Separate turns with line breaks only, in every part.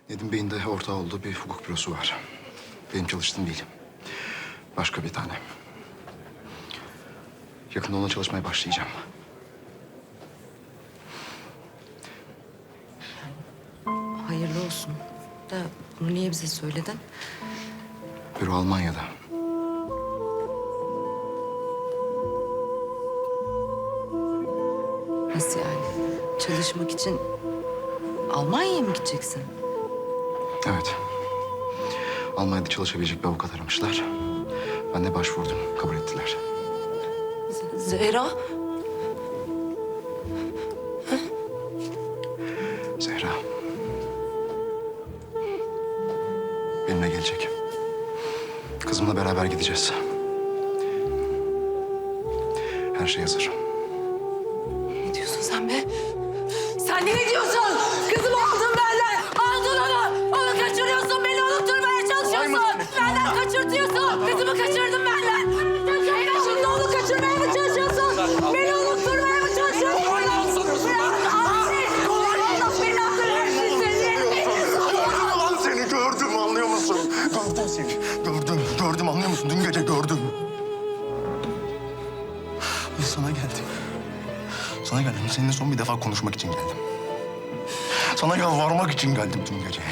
Nedim Bey'in de ortağı olduğu bir hukuk bürosu var. Benim çalıştığım değil. Başka bir tane. Yakında onunla çalışmaya başlayacağım.
Hayırlı olsun. Da bunu niye bize söyledin?
Büro Almanya'da.
Nasıl yani? Çalışmak için Almanya'ya mı gideceksin?
Evet. Almanya'da çalışabilecek bir avukat aramışlar. Ben de başvurdum. Kabul ettiler.
Zehra?
Zehra. Benimle gelecek. Kızımla beraber gideceğiz. Her şey hazır.
Ne diyorsun sen be? Sen ne diyorsun? Kızımı aldın benden. Aldın onu. Onu kaçırıyorsun. Beni unutturmaya çalışıyorsun. Benden kaçırtıyorsun. Kızımı kaçırdın benden. Sen şimdi onu kaçırmaya mı çalışıyorsun? Beni unutturmaya mı çalışıyorsun?
Lan seni gördüm, anlıyor musun? Gördüm seni. Gördüm, anlıyor musun? Dün gece gördüm. Ve sana geldim. Sana geldim. Seninle son bir defa konuşmak için geldim. Sana yalvarmak için geldim dün gece.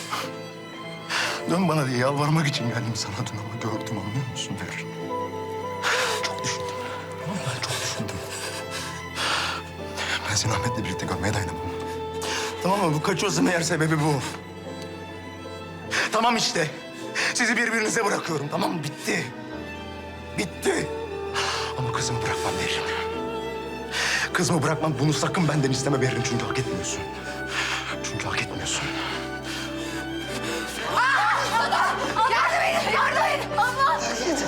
Dön bana diye yalvarmak için geldim sana dün ama gördüm, anlıyor musun Fer? Çok düşündüm. Ben çok düşündüm. Ben seni Ahmet'le birlikte görmeye dayanamam. Tamam mı? Bu kaçıyorsa meğer sebebi bu. Tamam işte. Sizi birbirinize bırakıyorum. Tamam mı? Bitti. Bitti. Ama kızımı bırakmam Berrin. Kızımı bırakmam. Bunu sakın benden isteme Berrin. Çünkü hak etmiyorsun. Çünkü hak etmiyorsun.
Yardım edin! Yardım edin! Allah!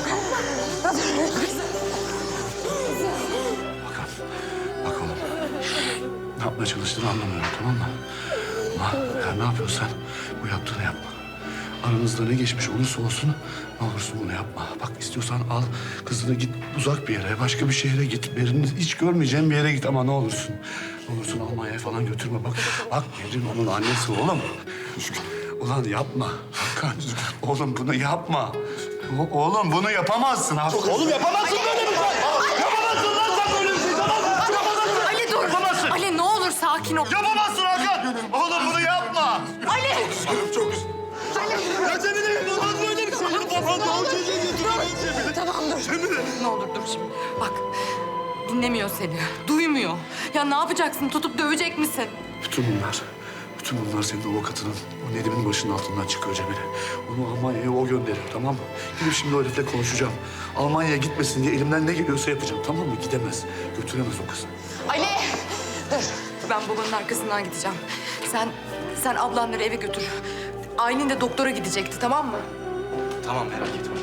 Bak oğlum. Ne yapmaya çalıştığını anlamıyorum, tamam mı? Ama eğer ne yapıyorsan bu yaptığını yapma. Aranızda ne geçmiş olursa olsun ne olursun bunu yapma. Bak istiyorsan al kızını git uzak bir yere, başka bir şehre git. Berin'i hiç görmeyeceğin bir yere git ama ne olursun. Ne olursun Almanya'ya falan götürme. Bak Berin onun annesi oğlum. Ulan yapma. Hakan, oğlum bunu yapma. Oğlum bunu yapamazsın. Oğlum yapamazsın böyle bir şey. Yapamazsın lan sen böyle bir şey. Yapamazsın.
Ali dur!
Yapamazsın.
Ali ne olur sakin ol.
Yapamazsın Hakan. Oğlum bunu yapma.
Ali!
Çok üzüldüm.
Ya Cemile olmaz böyle bir şey. Yapamaz. O çocuğu götüremeyiz Cemile.
Tamam dur.
Cemile.
Ne olur dur şimdi. Bak dinlemiyor seni. Duymuyor. Ya ne yapacaksın? Tutup dövecek misin?
Bütün bunlar senin avukatının, o Nedim'in başının altından çıkıyor Cemile. Onu Almanya'ya o gönderiyor, tamam mı? Gidip şimdi o herifle konuşacağım. Almanya'ya gitmesin diye elimden ne geliyorsa yapacağım, tamam mı? Gidemez, götüremez o kızı.
Ali! Dur. Ben babanın arkasından gideceğim. Sen ablanları eve götür. Aylin de doktora gidecekti, tamam mı?
Tamam merak etme.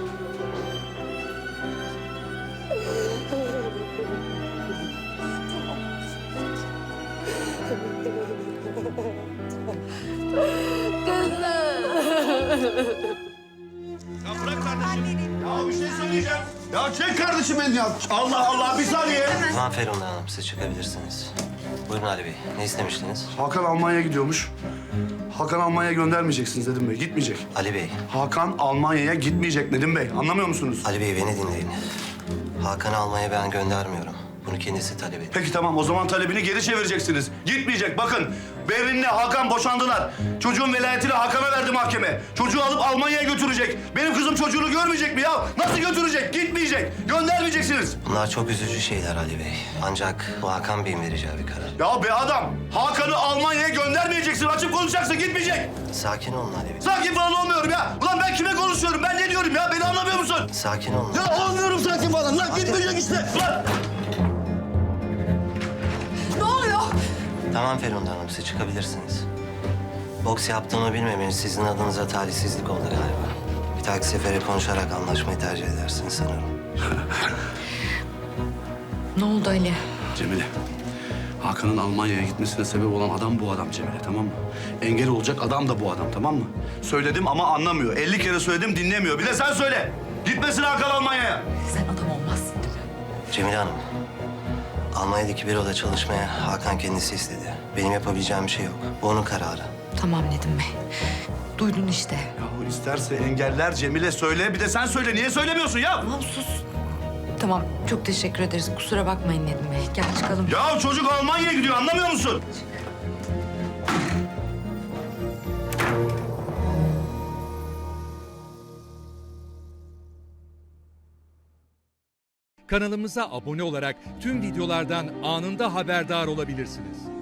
Ya bırak kardeşim. Ya bir şey söyleyeceğim. Ya çek kardeşim beni ya. Allah Allah, bir saniye.
Tamam Ferhunde Hanım siz çıkabilirsiniz. Buyurun Ali Bey ne istemiştiniz?
Hakan Almanya'ya gidiyormuş. Hakan Almanya'ya göndermeyeceksiniz Nedim Bey, gitmeyecek.
Ali Bey,
Hakan Almanya'ya gitmeyecek Nedim Bey, anlamıyor musunuz?
Ali Bey beni dinleyin. Hakan'ı almaya ben göndermiyorum. Bunu kendisi talep etti.
Peki tamam, o zaman talebini geri çevireceksiniz. Gitmeyecek, bakın. Berrin'le Hakan boşandılar. Çocuğun velayetini Hakan'a verdi mahkeme. Çocuğu alıp Almanya'ya götürecek. Benim kızım çocuğunu görmeyecek mi ya? Nasıl götürecek? Gitmeyecek. Göndermeyeceksiniz.
Bunlar çok üzücü şeyler Ali Bey. Ancak bu Hakan Bey'in vereceği bir karar.
Ya be adam, Hakan'ı Almanya'ya göndermeyeceksin. Açıp konuşacaksın, gitmeyecek.
Sakin olun Ali Bey.
Sakin falan olmuyorum ya. Ulan ben kime konuşuyorum? Ben ne diyorum ya? Beni anlamıyor musun?
Sakin olun.
Ya olmuyorum sakin falan. Lan gitmeyecek işte. Lan!
Ne oluyor?
Tamam Ferhunde Hanım siz çıkabilirsiniz. Boks yaptığımı bilmemeniz sizin adınıza talihsizlik oldu galiba. Bir dahaki sefere konuşarak anlaşmayı tercih edersiniz sanırım.
Ne oldu Ali?
Cemile, Hakan'ın Almanya'ya gitmesine sebep olan adam bu adam Cemile, tamam mı? Engel olacak adam da bu adam, tamam mı? Söyledim ama anlamıyor. 50 kere söyledim, dinlemiyor. Bir de sen söyle. Gitmesin Hakan Almanya'ya.
Sen adam olmazsın değil mi?
Cemile Hanım, Almanya'daki büroda çalışmaya Hakan kendisi istedi. Benim yapabileceğim bir şey yok. Bu onun kararı.
Tamam Nedim Bey. Duydun işte.
Yahu isterse engeller Cemile söyle. Bir de sen söyle. Niye söylemiyorsun ya?
Tamam sus. Tamam çok teşekkür ederiz. Kusura bakmayın Nedim Bey. Gel çıkalım.
Ya çocuk Almanya'ya gidiyor anlamıyor musun?
Kanalımıza abone olarak tüm videolardan anında haberdar olabilirsiniz.